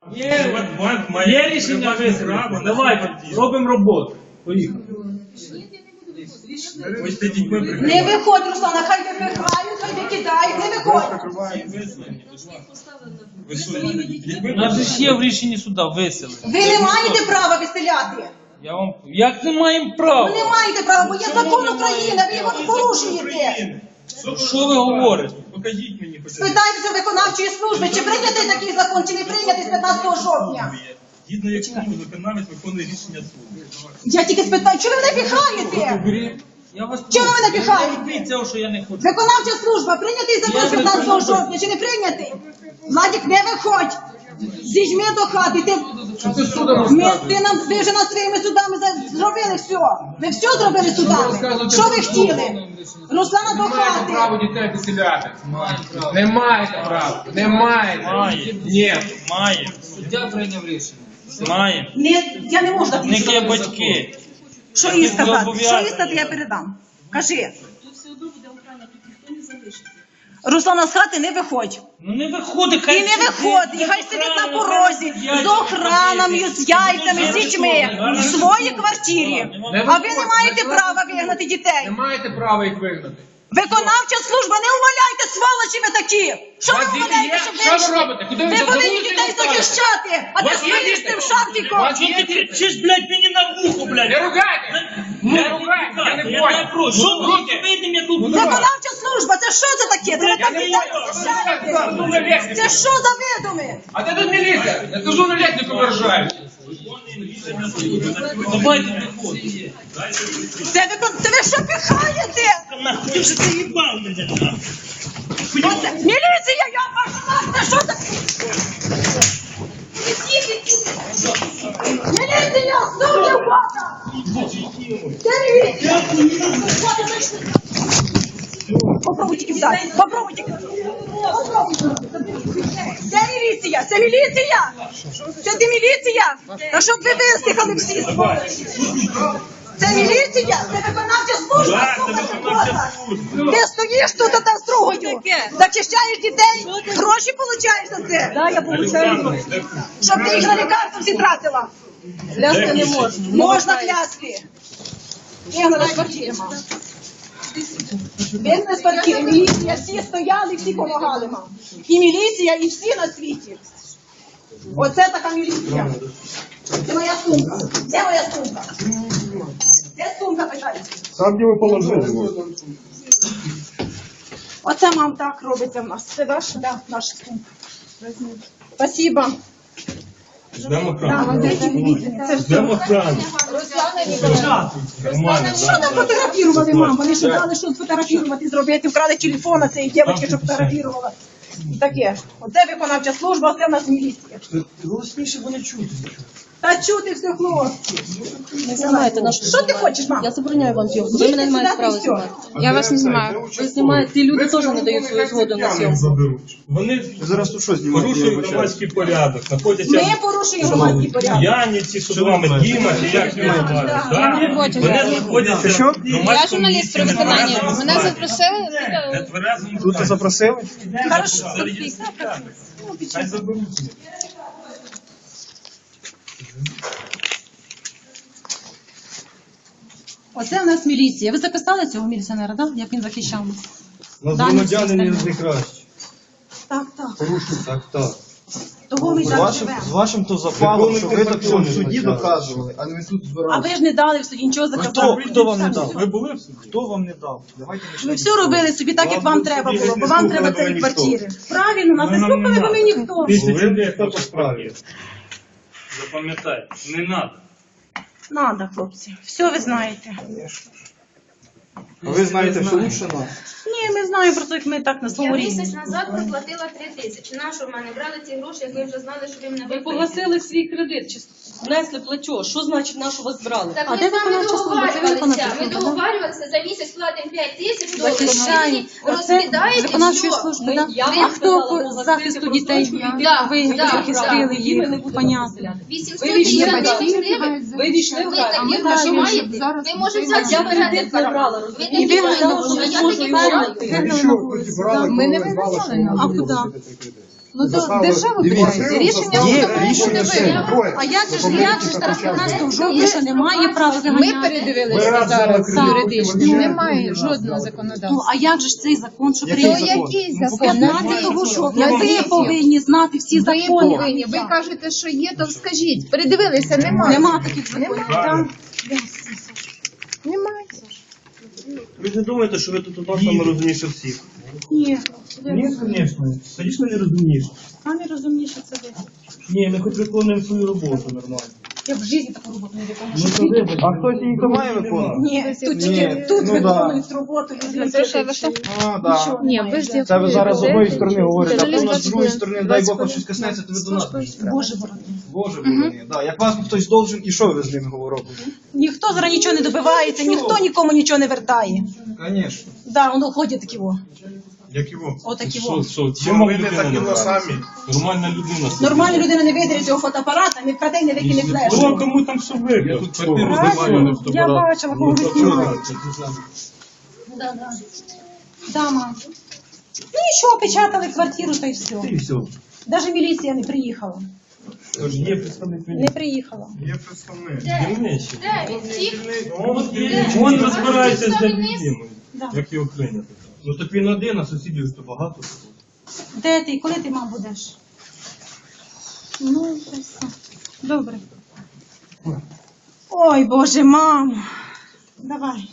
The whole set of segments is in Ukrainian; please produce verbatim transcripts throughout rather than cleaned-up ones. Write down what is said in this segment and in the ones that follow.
Є, є рішення висновку. Давайте, робимо роботу. Поїхали. Не виходь, Руслана, хай випихають, хай викидають, не виходь. У нас же є в рішенні суда виселення. Ви не маєте права виселяти. Я вам... Як не маємо права? Ви не маєте права, бо є закон України, ви його порушуєте. Що ви говорите? Покажіть мені хоч. Спитайтеся виконавчої служби, чи прийнятий такий закон, чи не прийнятий з п'ятнадцятого жовтня. Згідно якому виконавець виконує рішення суду. Я тільки спитаю, чого ви мене піхаєте? Я вас Чого ви мене піхаєте? робіть цього, що я не хочу. Виконавча служба, прийнятий закон з п'ятнадцятого жовтня, чи не прийнятий? Владик, не виходь. Зіжми до хати. Ти, ми, ти, нам, ви вже над своїми судами за- зробили все. Ви все зробили судами. Що ви хотіли? Руслана до Не маєте права хати. дітей виселяти. Не маєте права. Не маєте. Має. Ні. Має. Суддя прийняв рішення. Має. Не, я не можу так В них є нічого. батьки. Що їй сказати? Що їй сказати, я передам. Кажи. Тут все одно буде охрана, тут ніхто не залишиться. Руслана, з хати не виходь. Ну не виходить, хай І не сидить. виходь, і хай сидить на порозі, з охранами, з яйцями, з дітьми, в своїй квартирі. А ви не маєте права вигнати дітей. Не маєте права їх вигнати. Виконавча служба, не умоляйте, сволочі ви такі! Що ви У вас діти умоляєте, є? щоб Що ви вийшли? робите? Куди ви Ви за повинні вулицю дітей ставите? захищати, а У не вас є стоїш діти? тим шапком! У вас Що ти кричиш, блядь, мені на вухо, блядь? Не ругайте! Не ругайте! Я не Я понял. не прошу. Що ви вийдемо, я тут? Виконавча служба, це що це таке? Це ви Я так не дітей понял. захищаєте? Ну, на лестниці. Це що за видуми? А де тут міліція? Я кажу, на лестнику виражають. Давайте виходимо. Це ви, це ви що пихаєте? Нахуй, ти вже заїбав мене, нахуй. Оце, міліція, я ваша, це що таке? Міліція, суди в хата! Це міліція! Попробуй тільки встати, попробуй тільки. Це міліція, це міліція! Це ти міліція? Та щоб ви вистихали всі сволочі! Це міліція, це виконавча служба, слухай, ти стоїш тут та строгою, захищаєш дітей, гроші получаєш за це. Так, я получаю. Щоб ти їх на лікарство всі тратила. Клясти не можна. Можна клясти. Вигнали з квартири, мам. Вигнали з квартири, міліція, всі стояли, всі допомагали, мам. І міліція, і всі на світі. Оце така міліція. Це моя сумка. Де моя сумка? Де сумка, питається? Там, де ви положили. Оце, мам, так робиться в нас. Це ваш? Так, да, наша сумка. Спасибо. Ждемо Да, охрану. це все. Ждемо охрану. Нормально, Що там фотографірували, мам? Вони що дали, що фотографірувати зробити? Вкрали телефон на цієї дівчинки, що фотографірувала. Таке. Оце виконавча служба, оце в нас міліція. Голосніше, бо не чути. Та чути все, хлопці. Не знімайте нашу. Що ти хочеш, мам? Я забороняю вам зйомку. Ви мене не маєте права знімати. Я вас не знімаю. Ви знімаєте, ті люди теж не дають свою згоду на зйомку. Вони Зараз тут що знімати? порушують громадський порядок, Ми знаходяться порушуємо громадський порядок. п'яниці, що з вами, Діма, чи як його звати, так? робоча Вони зараз. знаходяться Що? в Я громадському журналіст при місці, виконанні. нетверезому Мене стані. запросили. Нетверезому Тут стані. запросили? Хорошо. Хай заберуть. Оце в нас міліція. Ви записали цього міліціонера, так? Як він захищав нас? Нас Дані всі громадяни остальні. не кращі. Так, так. Порушують. Так, так. Того ми З так вашим, живемо. з вашим то запалом, що ви так все в суді доказували, а не ви тут А збирали. ви ж не дали в суді нічого Хто, заказати. хто вам не дав? Ви були в суді? Хто вам не дав? Давайте не Ви все робили собі так, як вам треба було, бо вам треба цієї ніхто. квартири. Правильно, нас не Ну, нам слухали, не бо ми надо. ніхто. Після цього хто по справі. справі. Запам'ятайте, не треба. Надо, хлопці. Все ви знаєте. А ви знаєте, що лучше нас. Ні, ми знаємо просто, як ми так на Я своєму місяць рівні. назад проплатила три тисячі. Нащо в мене брали ці гроші, як ви вже знали, що ви мене Ви виписали? погасили свій кредит, чи внесли платеж. Що значить, на що вас брали? Так А ми де з вами виконавча служба? Це ви договарювалися. виконавча Ми служба, да? договарювалися, за місяць платимо п'ять тисяч доларів. Захищаємо. Ви розкидаєте Виконавчої все. служби, Ми- да? я А вам хто сказала, по погасити захисту дітей? просрочку Да, Ви да, захистили да. Їм ми не їх, будемо понятно. вісімсот Ви війшли тисяч в гривень. Ви війшли в Ви грань. такі ми гроші знаємо, маєте? зараз Ви можете ми взяти Я забирати кредит не брала, Ви розумієте? такі І ви знаєте, вигнали, що я можу такі його брала. знайти. Вигнали на вулицю, да. Ми не вигнали. А куди? Ну то Заставили- держава Дивіться, питається. Рішення Є суду рішення не суду. винна. Троє. А як же ж Тобто як же ж зараз п'ятнадцятого жовтня, що немає права Ми заганяти? передивилися Ми зараз разом юридично. закрили. Немає Ну, жодного Ну, законодавства. а як же ж цей закон, що Який То прийняв? закон? який Бо закон? п'ятнадцятого жовтня ви Назвіть. повинні знати всі Ви закони. повинні. Ви кажете, що є, то скажіть. Передивилися, немає. Нема таких законів. Там Немає. Ви ж не думаєте, що ви тут у нас саме розумніше всіх? ні. Ні, звісно. Звісно, не розумніше. Самі розумніше це ви. Ні, ми хоч виконуємо свою роботу нормально. Я в житті таку роботу не виконую. Ну, то вибачте. А хтось її то має виконувати? Ні, тут Ні, тільки тут ну виконують роботу. люди. А, да. Ні, ви ж Це ви зараз з одної сторони говорите, а Журналіст потім з другої двадцять сторони, хвилин. дай Бог, двадцять щось коснеться, то ви до нас. будете. Боже борони. Боже, борони. Да. Як вас хтось должен, і що ви з ним говорите? Ніхто зараз нічого не добивається, ніхто нікому нічого не вертає. Звісно. Да, воно ходять такі во. Як його? Отакі Що, во. що, Чим чим ви не людина такі нормальна? самі? Нормальна людина. Нормальна людина не видає цього фотоапарата, не вкраде, не викине Ну, флеш. а кому там що вибір? Я тут квартиру Правильно? знімаю, не Я фотоапарат. бачила, кого ви знімаєте. Да, да. Да, мам. Ну і що, опечатали квартиру, та й все. І все. Навіть міліція не приїхала. Тож є представник Не міліції. приїхала. Є представник. Дільничий. Де він? Всіх? От він розбирається з людиною. Да. Як його прийняти. Ну так він один, а сусідів ж то багато. Де ти? Коли ти, мам, будеш? Ну, та й все. Добре. Ой, Боже, мам. Давай.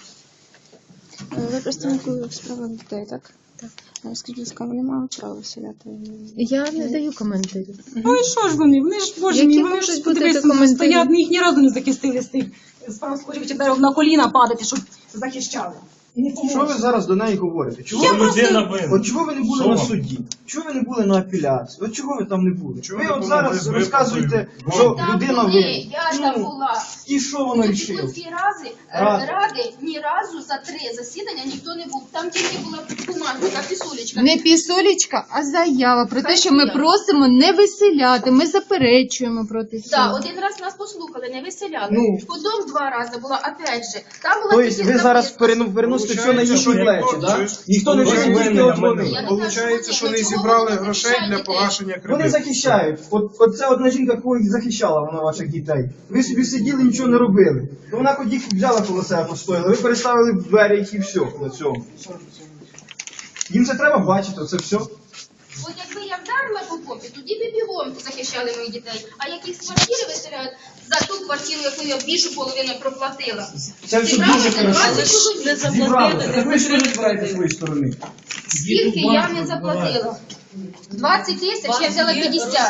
Ви представник у справах дітей, так? Так. Скажіть, будь ласка, вони мають право вселяти? Я не даю коментарів. Ну і що ж вони? Вони ж, Боже Які мій, вони можуть ж бути подивися, документи? стоять, ми їх ні разу не захистили з тих справ споживчих, треба на коліна падати, щоб захищали. І не Що ви поможуть. зараз до неї говорите? Чого Я ви, просто- Людина винна. от чого ви не були Що на вам? суді? Чого ви не були на апеляції? От чого ви там не були? Чого Ви ви от були зараз без розказуєте, випадку? що Там людина були, винна. я там була. І що вона Ну, рішила? ті дві рази е, Раз. ради ні разу за три засідання ніхто не був. Там тільки була бумага, така пісулечка. Не пісолічка, а заява про те, що ми просимо не виселяти. Ми заперечуємо проти Так, цього. один раз нас послухали, не виселяли. Ну. Потім два рази була, опять же. Там була Тобто тільки ви зараз записка. перену- переносите все на Получається, їхні що плечі, ніхто- так? щось- Ніхто не Ось винен, винен, тільки а от ми- вони. Я не Получається, знаю, що не чого зібрали ви не грошей для захищаєте? погашення Вони кредиту. захищають. От, от це одна жінка, кого їх захищала, вона ваших дітей. Ви собі сиділи, нічого не робили. То вона хоч їх взяла коло себе постояла, ви переставили в двері і все на цьому. Їм це треба бачити, оце все. От якби я вдарила по попі, тоді б бігом захищали моїх дітей. А як їх з квартири виселяють за ту квартиру, яку я більшу половину проплатила. Це все Зібрали дуже за хорошо. двадцять чоловік. Зібрали. Так ви ж не збираєте з своєї сторони. Скільки я не заплатила? двадцять тисяч, я взяла п'ятдесят.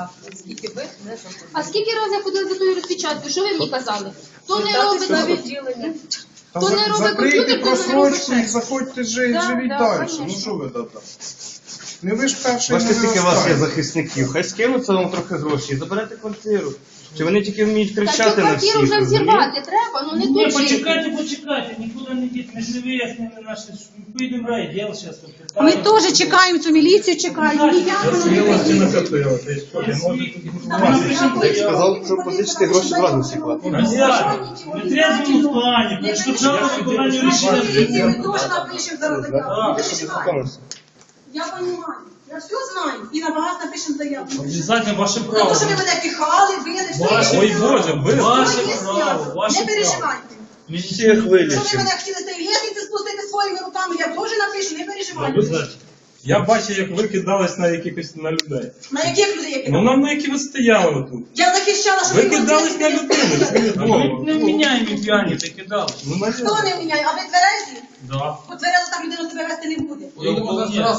А скільки разів я ходила за тою розпечаткою? Що ви мені казали? То не робить Та То не за- робить Закрийте комп'ютер, то не робить просрочку і ще. заходьте жи- Да, живіть да, далі. Ну конечно. що ви там? Не ви ж перший Бачите, не скільки у вас є останній. захисників. Хай скинуться вам трохи грошей і заберете квартиру. Чи вони тільки вміють Та цю кричати на всіх? квартиру вже розумієте? взірвати треба, ну не Ні, тут жити. почекайте, почекайте, нікуди не йдіть, ми ж не вияснили наші, поїдемо в райділ зараз. Ми теж чекаємо цю міліцію, чекаємо. Ніяк вона не Смілості приїде. накопила, ти що, не може тут Давай, сказав, що позичити гроші зразу всі платять. В нетрезвому стані, перешкоджали виконанню рішення Міліцію ми суду. теж напишемо за родика. Не переживай. Я розумію. Я все знаю. І на вас напишемо заяву. Обов'язково ваше За право. те, що ви мене піхали, били, все Ваше, є. Ой, Боже, ви Ваше Все є право, зняв. ваше Не право. переживайте. всіх Що ви вилічимо. мене хотіли з цієї лестниці спустити своїми руками, я теж напишу, не переживайте. Обов'язково. Я бачив, як ви кидались на якихось на людей. На яких людей я Ну кидала? нам на які ви стояли тут. Я захищала, щоб Ви ви кидались на людину. ви Ми Богу. не вміняємо п'яні, ти кидали. Ну, на Хто не міняє? А ви тверезі? Да. Бо тверезо так людина себе вести не буде. Ну,